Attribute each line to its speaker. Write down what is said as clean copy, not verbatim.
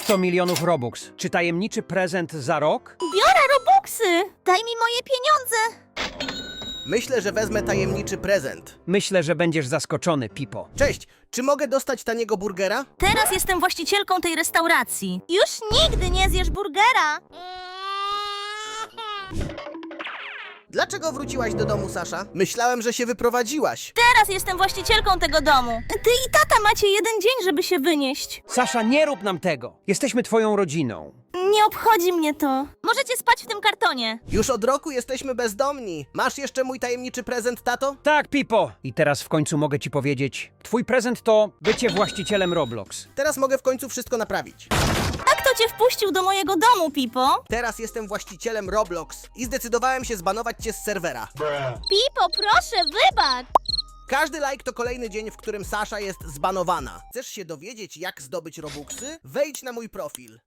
Speaker 1: 100 milionów Robux. Czy tajemniczy prezent za rok?
Speaker 2: Biorę robuxy! Daj mi moje pieniądze!
Speaker 3: Myślę, że wezmę tajemniczy prezent.
Speaker 1: Myślę, że będziesz zaskoczony, Pipo.
Speaker 3: Cześć, czy mogę dostać taniego burgera?
Speaker 2: Teraz jestem właścicielką tej restauracji. Już nigdy nie zjesz burgera!
Speaker 3: Dlaczego wróciłaś do domu, Sasza? Myślałem, że się wyprowadziłaś.
Speaker 2: Teraz jestem właścicielką tego domu. Ty i tata macie jeden dzień, żeby się wynieść.
Speaker 1: Sasza, nie rób nam tego. Jesteśmy twoją rodziną.
Speaker 2: Nie obchodzi mnie to. Możecie spać w tym kartonie.
Speaker 3: Już od roku jesteśmy bezdomni. Masz jeszcze mój tajemniczy prezent, tato?
Speaker 1: Tak, Pipo. I teraz w końcu mogę ci powiedzieć. Twój prezent to bycie właścicielem Roblox.
Speaker 3: Teraz mogę w końcu wszystko naprawić.
Speaker 2: A kto cię wpuścił do mojego domu, Pipo?
Speaker 3: Teraz jestem właścicielem Roblox i zdecydowałem się zbanować cię z serwera.
Speaker 2: Pipo, proszę, wybacz!
Speaker 3: Każdy like to kolejny dzień, w którym Sasza jest zbanowana. Chcesz się dowiedzieć, jak zdobyć Robuxy? Wejdź na mój profil.